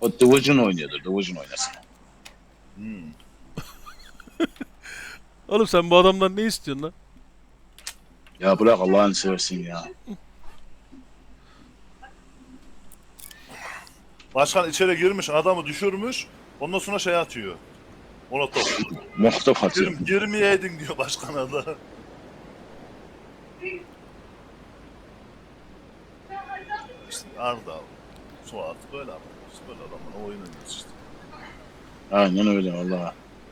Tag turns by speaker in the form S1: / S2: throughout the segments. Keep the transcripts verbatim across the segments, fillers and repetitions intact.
S1: O Division oynuyordur. Division oynasın.
S2: Hmm.
S3: Oğlum sen bu adamdan ne istiyorsun lan?
S1: Ya bırak Allah'ını seversin ya.
S2: Başkan içeri girmiş, adamı düşürmüş. Ondan sonra şey atıyor. Molotof.
S1: Muhtof atıyor.
S2: Gir, girmeyeydin diyor başkana da. İşte Arda, Suat böyle arkadaş. Böyle adamla oyun oynuyoruz işte.
S1: Aynen öyle vallahi.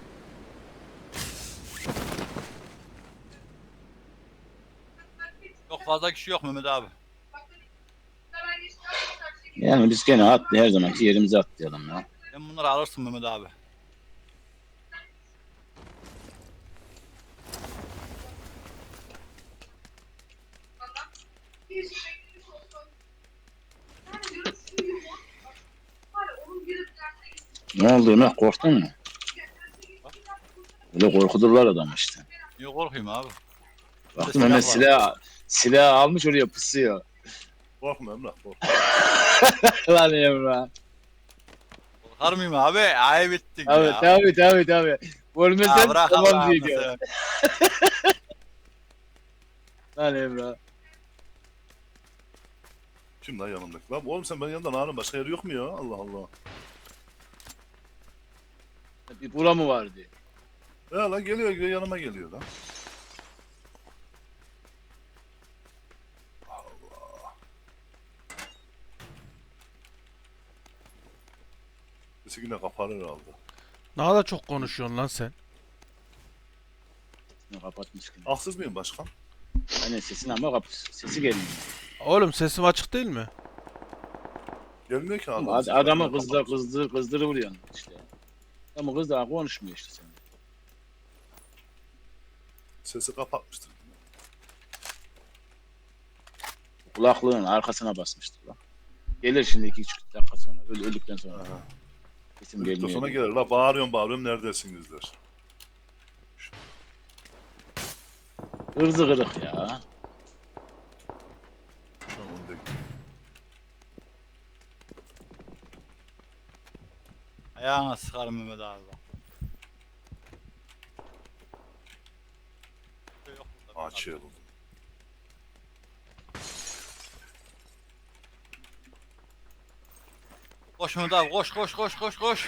S4: Çok fazla kişi yok Mehmet abi.
S1: Yani biz gene at her zamanki yerimize atlayalım ya.
S4: Sen bunları alırsın Mehmet abi.
S1: Ne oldu Ömer, korktun mu? Öyle korkuturlar adam işte.
S4: Niye korkayım abi?
S1: Baktım
S4: silah
S1: hemen
S4: var.
S1: silah, silah almış oraya pusuyor.
S2: Korkma Emrah, korkma.
S1: Lan Emrah.
S4: Korkar mıyım abi? Ayıp ettin
S1: Tabii
S4: ya.
S1: tabii tabii tabii. Görmesen
S4: Ya bırak
S1: tamam
S4: Allah'ını
S1: diyeceğim.
S4: seversen.
S1: Lan Emrah.
S2: Kim lan yanımdaki? Lan oğlum sen benim yanımda ne arıyorsun? Başka yer yok mu ya? Allah Allah.
S1: Bir bura mı vardı?
S2: Ya lan geliyor, geliyor yanıma geliyor lan. Allah. Sesi yine kapanır herhalde.
S3: Ne kadar çok konuşuyorsun lan sen.
S1: Ne kapatmış ki.
S2: Haksız mıyım başkan?
S1: Aynen sesin ama kap sesi gelmiyor.
S3: Oğlum sesim açık değil mi?
S2: Gelmiyor ki adam.
S1: Ad, adamı kızdır kızdır kızdırı vuruyorsun işte. Ama kız daha konuşmuyor işte sen.
S2: Sesi kapatmıştır.
S1: Kulaklığın arkasına basmıştır lan. Gelir şimdi iki üç dakika sonra. Öl, öldükten sonra.
S2: Aha.
S1: Sesim
S2: Öldükten
S1: gelmiyor.
S2: sonra
S1: diyor.
S2: gelir. La bağırıyorum bağırıyorum neredesiniz der.
S1: Hırzı kırık ya.
S2: Şu an onu da-
S4: Ayağına sıkarım Mehmet abi bak. Yok burada.
S2: Açıyor oğlum.
S4: Koş Mehmet abi koş koş koş koş koş.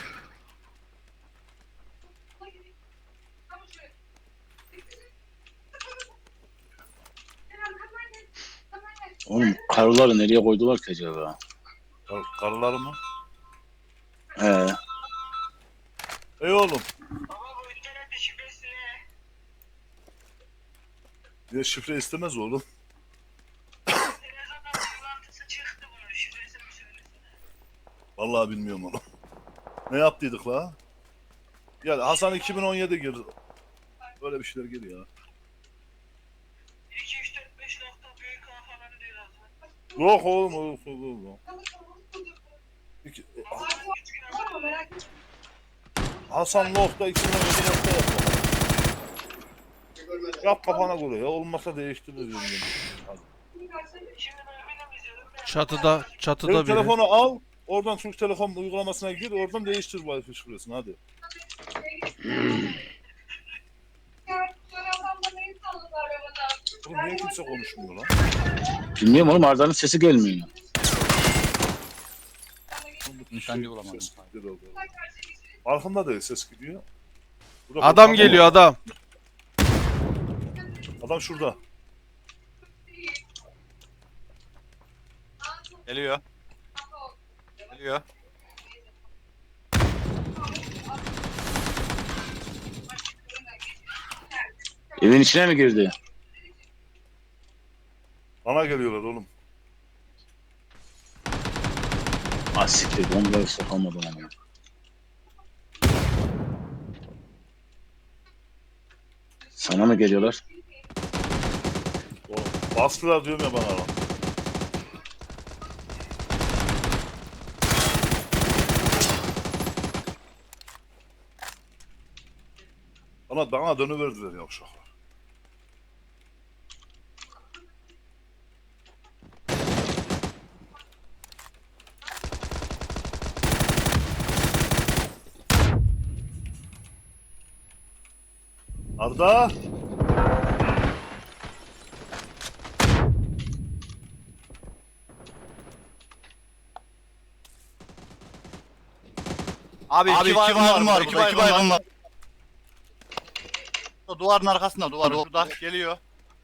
S1: Oğlum karıları nereye koydular ki acaba?
S2: Kar karıları mı?
S1: He.
S2: Ey oğlum. Ya şifre istemez oğlum. Vallahi bilmiyorum onu. Ne yaptıydık la? Ya Hasan iki bin on yedi girdi. Böyle bir şeyler geliyor ya.
S5: iki üç dört beş nokta büyük A falan diyor zaten.
S2: Yok oğlum oğlum oğlum. oğlum. İki, Hasan nokta iki bin on yedi nokta yap. Yap kafana göre ya. Olmazsa değiştiririz. Hadi.
S5: Şimdi ben benim izledim.
S3: Çatıda, çatıda
S2: Benim
S3: biri.
S2: telefonu al. Oradan Türk Telekom uygulamasına gir. Oradan değiştir Wi-Fi şifresini hadi. Oğlum niye kimse konuşmuyor lan?
S1: Bilmiyorum oğlum, Arda'nın sesi gelmiyor.
S4: Nişancı bulamadım.
S2: Ses gidiyor oldu. Farkında değil ses gidiyor. Burada
S3: Adam
S2: korkan
S3: geliyor
S2: var.
S3: adam.
S2: Adam şurada.
S4: Geliyor. Geliyor.
S1: Evin içine mi girdi?
S2: Bana geliyorlar oğlum.
S1: Ah siktir, bombayı sokamadım ama. Sana mı geliyorlar?
S2: Oğlum bastılar diyorum ya bana lan. Bana, bana dönüverdiler ya uşaklar. Burada.
S4: Abi,
S6: Abi
S4: iki baygın var,
S6: var,
S4: iki
S6: burada, iki
S4: baygın
S6: baygın
S4: var.
S6: var.
S4: O duvarın arkasında, duvar orada geliyor.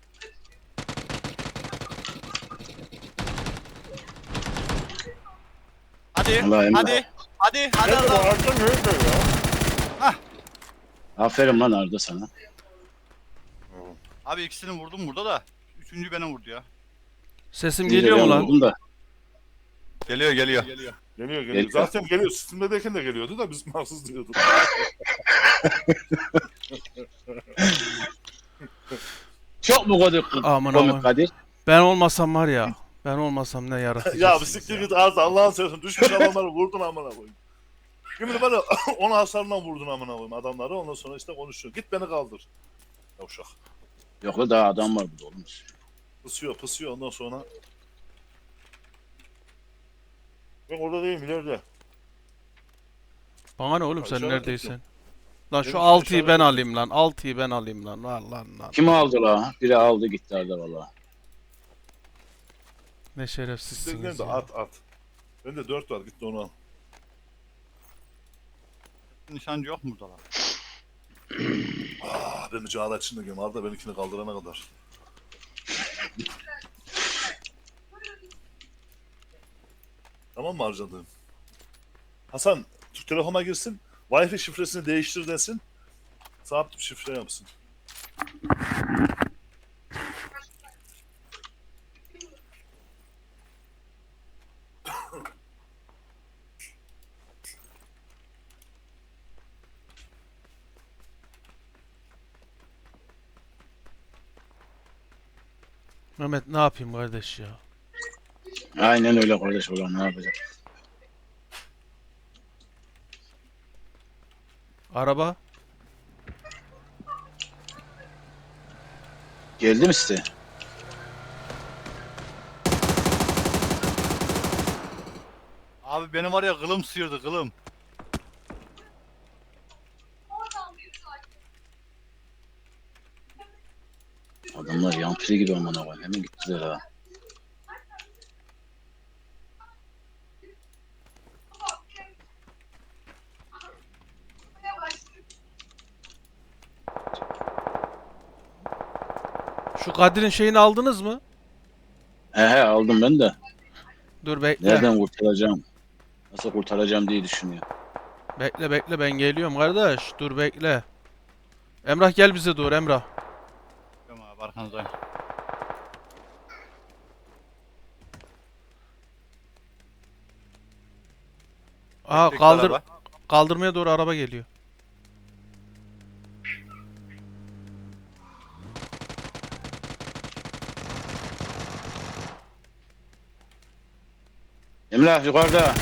S4: Hadi,
S1: Allah Emre.
S4: hadi, hadi, hadi
S2: Nerede bu
S4: adam.
S2: Arda nerede ya?
S1: Aferin lan Arda sana.
S4: Abi ikisini vurdum burada da. Üçüncü beni vurdu ya.
S3: Sesim
S1: İyice
S3: geliyor mu
S1: ben
S3: lan?
S1: vurdum da.
S4: Geliyor, geliyor.
S2: Geliyor geliyor.
S1: Geliyor.
S2: Zaten geliyor. Steam'deyken de geliyordu da biz mahsus diyorduk.
S1: Çok mu komik,
S3: Aman
S1: komik
S3: aman.
S1: Kadir?
S3: Ben olmasam var ya. Ben olmasam ne yaratacaksınız
S2: Ya bir siktir git Arda Allah'ın seversen. Düşmüş adamları vurdun amına koyayım. Şimdi bana on hasarından vurdun amına koyayım adamları. Ondan sonra işte konuşuyor. Git beni kaldır. Yavşak.
S1: Yok la daha adam var burada oğlum.
S2: Pısıyor pısıyor ondan sonra. Ben orada değilim ileride.
S3: Bana ne oğlum
S2: Ya
S3: sen
S2: işaret
S3: neredeysen?
S2: ettim.
S3: Lan
S2: Benim
S3: şu
S2: için
S3: altıyı
S2: işaret
S3: ben
S2: ettim.
S3: alayım lan. altıyı ben alayım lan. Var lan lan.
S1: Kim aldı la? Biri aldı gitti Arda valla.
S3: Ne
S2: Sen
S3: şerefsizsiniz
S2: de
S3: ya.
S2: at at. Bende dört var git de onu al.
S4: Nişancı yok mu burada lan?
S2: Ah ben Cağda içinde gireyim. Arda benimkini kaldırana kadar. Tamam mı harcadığım? Hasan Türk Telekom'a girsin. Wi-Fi şifresini değiştir desin. Sabit bir şifre yapsın.
S3: Mehmet ne yapayım kardeş ya?
S1: Aynen öyle kardeş ulan ne yapacak?
S3: Araba?
S1: Geldi mi size?
S4: Abi beni var ya kılım sıyırdı kılım.
S1: Adamlar yampiri gibi amına koyayım. Hemen gittiler ha.
S3: Şu Kadir'in şeyini aldınız mı?
S1: He he aldım ben de.
S3: Dur bekle.
S1: Nereden kurtaracağım? Nasıl kurtaracağım diye düşünüyor.
S3: Bekle bekle ben geliyorum kardeş. Dur bekle. Emrah gel bize doğru Emrah.
S4: Tamam abi arkanızdayım.
S3: Aa
S4: Bekle
S3: kaldır
S4: araba.
S3: kaldırmaya doğru araba geliyor.
S1: Emrah yukarıda.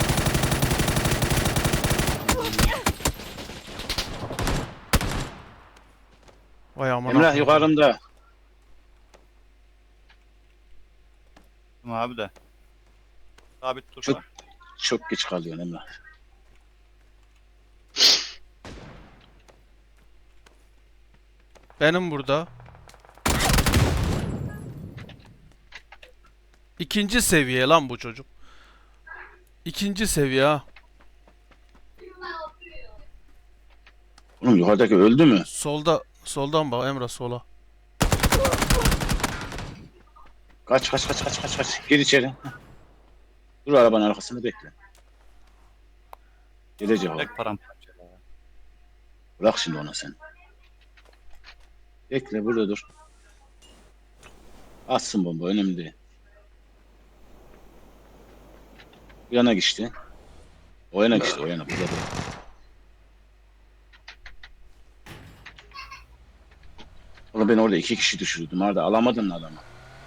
S3: Vay aman
S1: Emrah
S3: Allah'ım.
S1: yukarımda.
S4: Tamam abi de. Sabit dur.
S1: Çok- Çok geç kalıyorsun Emrah.
S3: Benim burada. İkinci seviye lan bu çocuk. İkinci seviye ha.
S1: Oğlum yukarıdaki öldü mü?
S3: Solda soldan bak Emrah sola.
S1: Kaç kaç kaç kaç kaç kaç. Gir içeri. Heh. Dur arabanın arkasında bekle. Gelecek o.
S4: Tek param.
S1: Bırak şimdi onu sen. Bekle burada dur. Atsın bomba önemli değil. Bu yana geçti. O yana geçti o yana burada değil. Oğlum ben orada iki kişi düşürdüm. Arada alamadın mı adamı?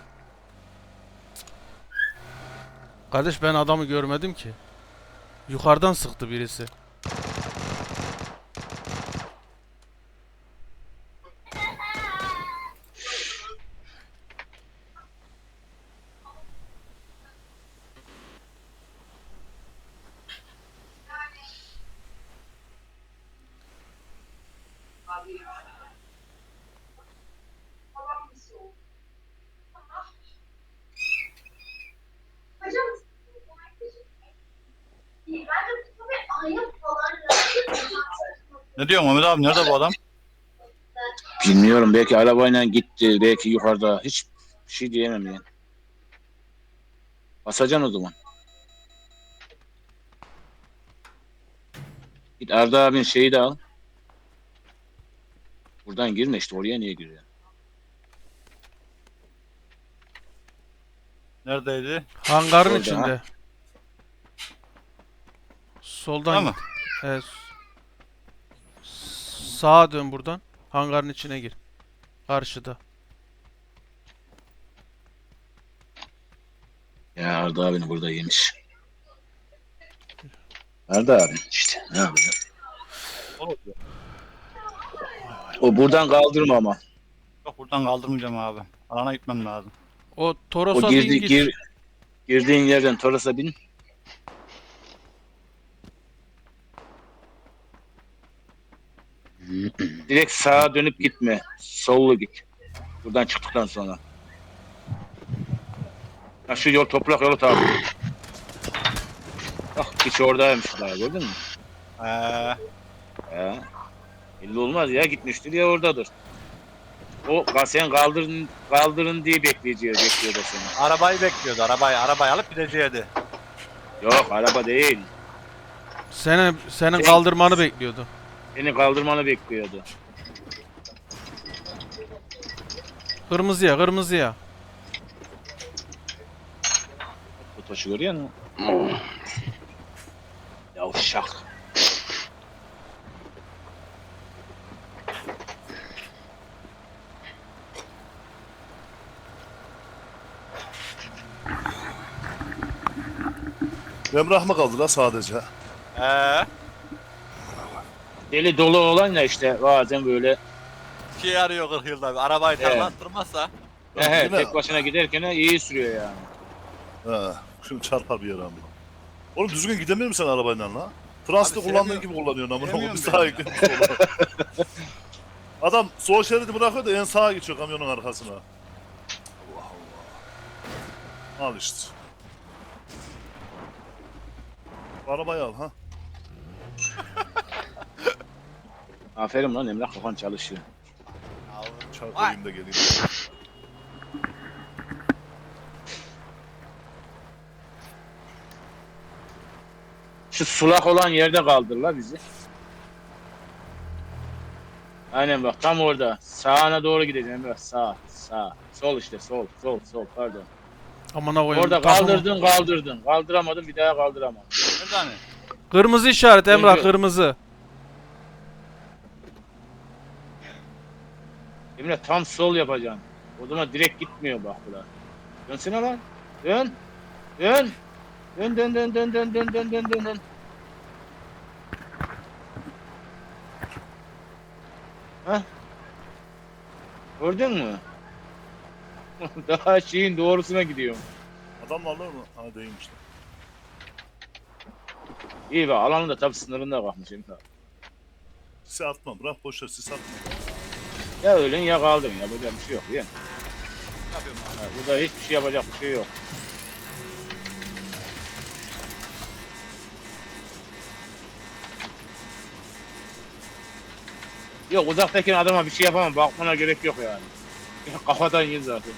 S3: Kardeş ben adamı görmedim ki. Yukarıdan sıktı birisi.
S4: Ne diyorsun Mehmet abi? Nerede bu adam?
S1: Bilmiyorum, belki arabayla gitti, belki yukarıda. Hiç bir şey diyemem yani. Basacaksın o zaman. Git Arda abinin şeyi de al. Buradan girme işte, oraya niye giriyor?
S4: Neredeydi?
S3: Hangarın
S1: Orada,
S3: içinde. Soldan
S4: Tamam.
S3: git. Evet. Sağa dön buradan. Hangarın içine gir. Karşıda.
S1: Ya Arda abini burada yemiş. Arda abi işte, ne yapacak? O buradan kaldırma ama.
S4: Yok buradan kaldırmayacağım abi. Alana gitmem lazım.
S3: O Toros'a
S1: O
S3: bin
S1: girdi,
S3: git.
S1: gir, girdiğin yerden Toros'a bin. Direkt sağa dönüp gitme. Sollu git. Buradan çıktıktan sonra. Ha, şu yol toprak yolu takip et. Bak hiç oradaymış daha, gördün mü?
S4: Ee,
S1: Ya. Belli olmaz ya, gitmiştir ya oradadır. O sen kaldırın kaldırın diye bekleyeceğiz, bekliyor da seni.
S4: arabayı bekliyordu. Arabayı arabayı alıp gideceğiydi.
S1: Yok, araba değil.
S3: Senin, senin
S1: Şey-
S3: kaldırmanı bekliyordu.
S1: Seni kaldırmanı bekliyordu.
S3: Kırmızıya, kırmızıya.
S1: Bu taşı görüyor musun? Yavşak.
S2: Emrah mı kaldı la sadece?
S4: Ee,
S1: Deli dolu olan ya işte, bazen böyle
S4: şey arıyor kırk yılda bir. Arabayı
S1: Evet.
S4: tarlattırmazsa.
S1: he, he,
S2: Yine-
S1: tek başına giderken iyi sürüyor yani.
S2: He. Şimdi çarpar bir yere ama. Oğlum düzgün gidemiyor musun sen arabayla la? Transit
S4: Abi
S2: kullandığın
S4: sevmiyorum.
S2: gibi kullanıyorsun amına koyayım.
S4: Sevmiyorum
S2: Biz
S4: ben
S2: sağa
S4: ya.
S2: gidiyoruz sola. Adam sol şeridi bırakıyor da en sağa geçiyor kamyonun arkasına. Allah Allah. Al işte. Arabayı al ha.
S1: Aferin lan Emrah, kafan çalışıyor.
S2: Çarpayım da geleyim.
S1: Şu sulak olan yerde kaldırla bizi. Aynen bak, tam orada. Sağına doğru gideceğim Emrah. Sağ, sağ. Sol işte, sol, sol, sol, pardon.
S3: Amına koyayım.
S1: Orada
S3: takımı-
S1: kaldırdın, kaldırdın. Kaldıramadın, bir daha kaldıramadın.
S4: Nerede hani?
S3: Kırmızı işaret Emrah,
S1: Önce-
S3: kırmızı.
S1: Emre tam sol yapacaksın. O zaman direkt gitmiyor bak bura. Dönsene lan. Dön. Dön. Dön dön dön dön dön dön dön dön dön dön. Hah. Gördün mü? Daha şeyin doğrusuna gidiyorum.
S2: Adam varlar mı? Ha değilmiş lan.
S1: İyi bak, alanın da tabii sınırında kalmış Emre.
S2: Sis atma bırak boşver sis atma.
S1: Ya ölen ya kaldın, yapacak bir şey yok ya.
S4: Ne yapıyorum abi?
S1: Ha, burada hiçbir şey yapacak bir şey yok. Yok, uzaktakine adama bir şey yapamam, bakmana gerek yok yani. Kafadan yer zaten.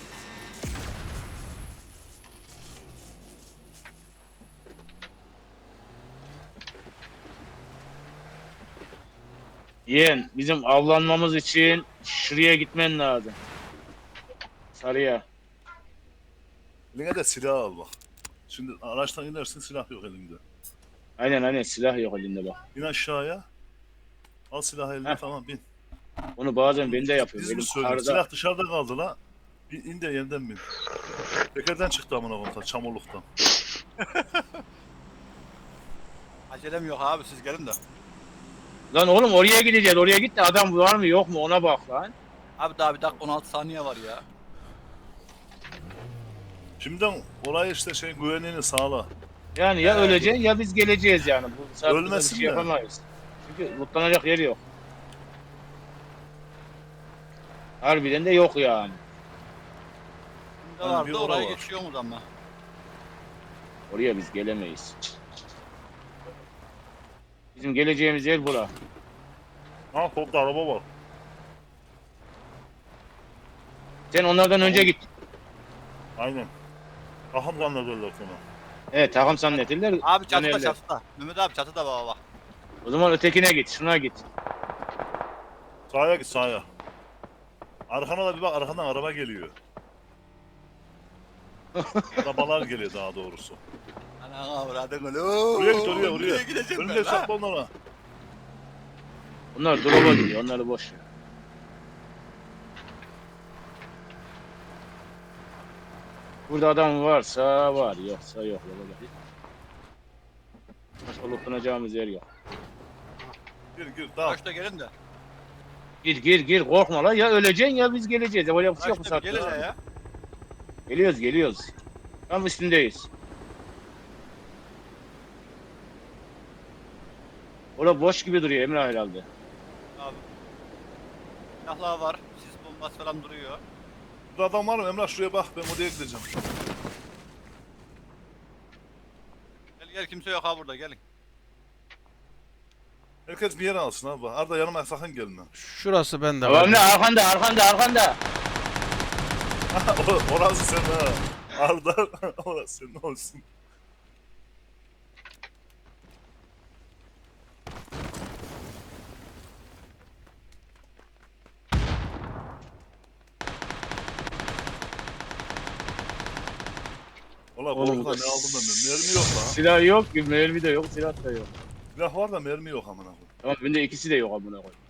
S1: Yeğen, bizim avlanmamız için şuraya gitmen lazım. Sarıya.
S2: Eline de silah al bak. Şimdi araçtan inersin silah yok elinde.
S1: Aynen aynen, silah yok elinde bak.
S2: İn aşağıya. Al silahı eline
S1: Heh.
S2: tamam bin.
S1: Onu bazen ben de yapıyorum.
S2: Biz
S1: Benim
S2: mi söylüyoruz?
S1: karda...
S2: Silah dışarıda kaldı la. Bir in de yeniden bin. Tekerden çıktı amına koyayım çamurluktan.
S4: Acelem yok abi siz gelin de.
S1: Lan oğlum, oraya gideceğiz. Oraya git de adam var mı yok mu ona bak lan.
S4: Abi daha bir dakika on altı saniye var ya.
S2: Şimdiden orayı işte şey güvenliğini sağla.
S1: Yani ya
S4: Evet.
S1: öleceksin ya biz geleceğiz yani. Bu saatte bir
S2: Ölmesin
S1: şey
S2: de.
S1: yapamayız. Çünkü mutlanacak yeri yok. Harbiden de yok yani.
S4: Şimdi
S2: Yani bir
S4: vardı
S2: ora
S4: oraya
S2: var.
S4: geçiyor mu ama?
S1: Oraya biz gelemeyiz. Bizim geleceğimiz yer bura.
S2: Ha topta araba var.
S1: Sen onlardan önce git.
S2: Aynen. Ahım zannederler seni.
S1: Evet takım zannettiler.
S4: Abi çatıda
S1: dönerler.
S4: çatıda. Mehmet abi çatıda baba bak.
S1: O zaman ötekine git. Şuna git.
S2: Sağa git sağa. Arkana da bir bak, arkadan araba geliyor. Arabalar geliyor daha doğrusu.
S4: Ana avradın öyle.
S2: Oraya git oraya oraya.
S4: Nereye gideceğim
S2: Önüne
S4: ben lan?
S2: sakla onlara.
S1: Bunlar drop'a gidiyor. Onları boş ver. Burada adam varsa var. Yoksa yok. Başka lootlanacağımız yer yok.
S2: Gir gir daha.
S4: Kaçta gelin de.
S1: Gir gir gir. Korkma lan. Ya öleceksin ya biz geleceğiz. Ya böyle bir şey yok bu
S4: Kaçta bir
S1: saatte.
S4: gelin de ya.
S1: Geliyoruz geliyoruz. Tam üstündeyiz. Orada boş gibi duruyor Emre herhalde.
S4: Abi. Silahlar var. Sis bombası falan duruyor.
S2: Burada adam var mı? Emrah şuraya bak, ben oraya gideceğim.
S4: Gel gel kimse yok ha burada gelin.
S2: Herkes bir yere alsın abi. Arda yanıma sakın gelme.
S3: Şurası bende.
S1: Tamam ne arkanda arkanda arkanda.
S2: O- Orası senin ha. Arda orası senin olsun. Valla
S1: Oğlum,
S2: korkudan ne aldım ben de. Mermi yok lan.
S1: Silah yok ki mermi de yok silah da yok.
S2: Silah var da mermi yok amına koyayım.
S1: Tamam bende ikisi de yok amına koy.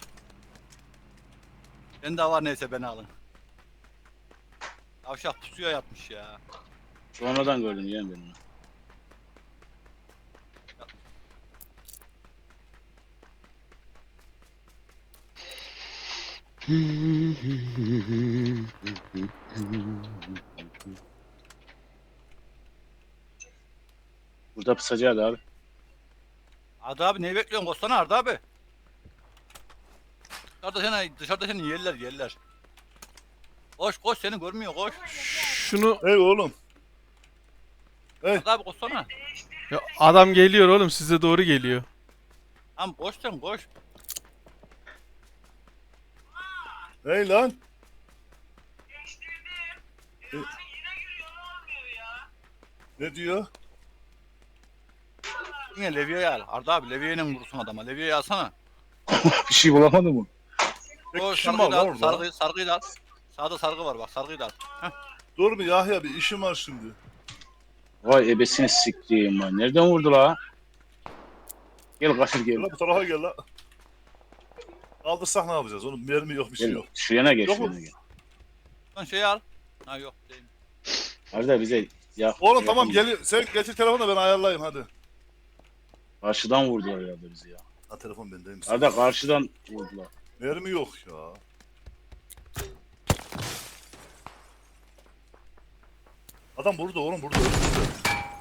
S4: Bende var neyse beni alın. Avşak pusuya yatmış ya.
S1: Sonradan gördüm yani ben onu. Burada pısacağız abi.
S4: Arda abi neyi bekliyorsun? Koşsana Arda abi. Dışarıda seni, dışarıda seni yerler yerler. Koş koş seni görmüyor koş.
S3: Şunu
S2: Hey oğlum.
S4: Arda abi koşsana.
S3: ya adam geliyor oğlum size doğru geliyor.
S4: Tamam koş sen koş.
S2: Hey lan.
S5: Değiştirdim. E, yine giriyor olmuyor ya.
S2: Ne diyor?
S4: Yine Leviye'yi al. Arda abi Leviye'yle vurursun adama. Leviye'yi alsana.
S1: Bir şey bulamadı mı?
S2: Tek
S4: Koş
S2: kişi mi
S4: sargıyı
S2: var
S4: da
S2: lan
S4: al.
S2: orada?
S4: Sargıyı, sargıyı da al. Sağda sargı var bak sargıyı da al.
S2: Dur mu Yahya, bir işim var şimdi.
S1: Vay ebesini siktiğim lan. Nereden vurdu la? Gel kaçır gel.
S2: Gel lan bu tarafa gel lan. Kaldırsak ne yapacağız? Onun mermi yok, bir şey
S1: Gel.
S2: yok.
S1: Şu yana gel
S2: Yok
S1: şu
S2: mu?
S1: yana gel.
S4: Lan şeyi al. Ha yok değil.
S1: Arda bize ya.
S2: Oğlum tamam gel, sen getir telefonu da ben ayarlayayım hadi.
S1: Karşıdan vurdular herhalde bizi ya.
S2: Ha telefon bendeyim.
S1: Arda karşıdan vurdular.
S2: Mermi yok ya. Adam burada oğlum, burada önümüzde.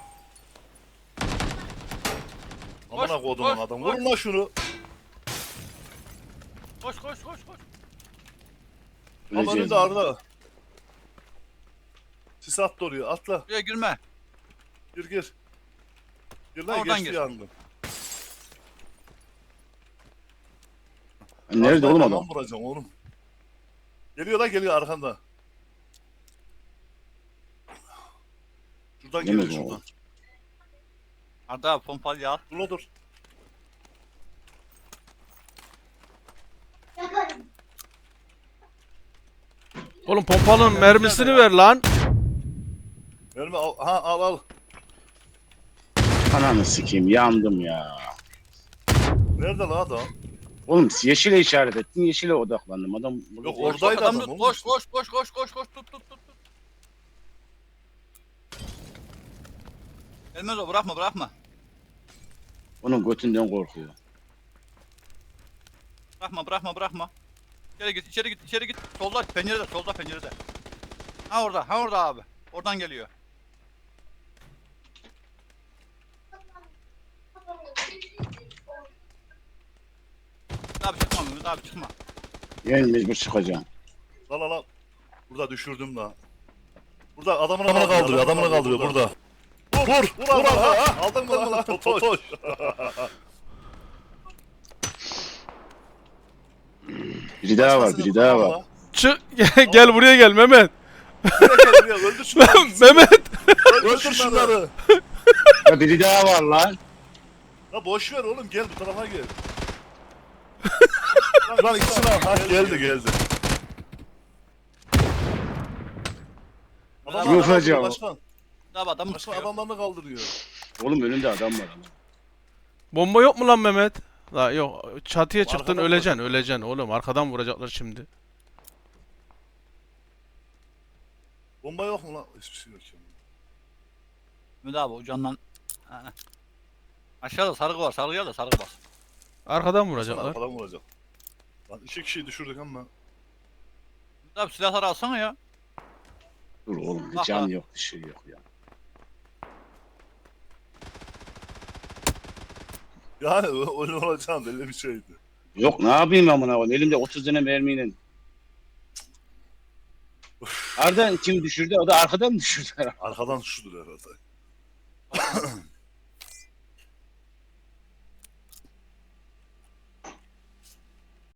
S2: Amına
S4: Koş,
S2: kodumun
S4: koş,
S2: adam.
S4: koş.
S2: Vurun lan şunu.
S4: Koş koş koş koş.
S2: Ama
S1: Öleceğiz.
S2: önünde Arda. Sis attı oraya, atla.
S4: Buraya girme.
S2: Gir gir. Gir lan,
S4: Oradan
S2: geçti
S4: gir.
S2: yangın.
S1: Nerede oğlum adam?
S2: Tamam vuracağım oğlum. Geliyor lan, geliyor arkanda. Şuradan
S1: Yemin
S2: geliyor
S1: ederim.
S2: şuradan.
S4: Arda abi pompalıyı al.
S2: Dur la dur.
S3: Oğlum pompalının mermisini ver lan.
S2: Mermi al, ha al al.
S1: Ananı sikeyim yandım ya.
S2: Nerede lan adam?
S1: Oğlum yeşile işaret ettin yeşile odaklandım adam.
S2: Yok,
S1: orada.
S2: Oradaydı
S4: Koş, adam
S2: adam
S4: tut,
S2: oğlum.
S4: koş koş koş koş koş koş tut tut tut tut. Gelmez o bırakma bırakma.
S1: Onun götünden korkuyor.
S4: Bırakma bırakma bırakma. İçeri git içeri git içeri git. Solda pencerede solda pencerede. Ha orada ha orada abi. Oradan geliyor. Abi çıkma Mehmet abi çıkma.
S1: Yani mecbur çıkacağım.
S2: La la la. Burada düşürdüm la. Burada adamını kaldırıyor, adamını kaldırıyor burada. Vur, vur, vur, vur ha. Aldın mı lan? Totoş.
S1: Biri daha var,
S2: Başkasını
S1: biri daha var.
S2: kullanma.
S3: Çık gel, gel buraya gel Mehmet.
S2: Buraya gel buraya öldür şunları.
S3: Mehmet.
S2: Öldür şunları.
S1: Ya biri daha var lan.
S2: La boş ver oğlum gel bu tarafa gel. Lan ikisini al. Ha geldi geldi. Adamlar
S1: Yok
S2: kaldırıyor
S1: hocam.
S2: başkan.
S4: Abi adam mı
S2: Başkan
S4: çıkıyor?
S2: adamlarını kaldırıyor.
S1: Oğlum önünde adam var ama.
S3: Bomba yok mu lan Mehmet? La yok çatıya çıktın
S2: Arkadan
S3: öleceksin
S2: vuracak.
S3: öleceksin oğlum arkadan vuracaklar şimdi.
S2: Bomba yok mu lan? Hiçbir şey yok ya.
S4: Mehmet abi ucundan. Ha. Aşağıda sargı var. Sargı gel de sargı bas.
S3: Arkadan
S2: Başkan
S3: vuracaklar.
S2: arkadan vuracak. Lan iki kişiyi düşürdük ama.
S4: Mehmet abi silahları alsana ya.
S1: Dur oğlum bir
S4: Bak
S1: can
S4: lan.
S1: yok, bir şey yok ya.
S2: Yani öyle olacağım belli bir şeydi.
S1: Yok ne yapayım amına koyayım elimde otuz tane mermiyle. Arda kim düşürdü? O da arkadan mı düşürdü?
S2: Arkadan şudur herhalde.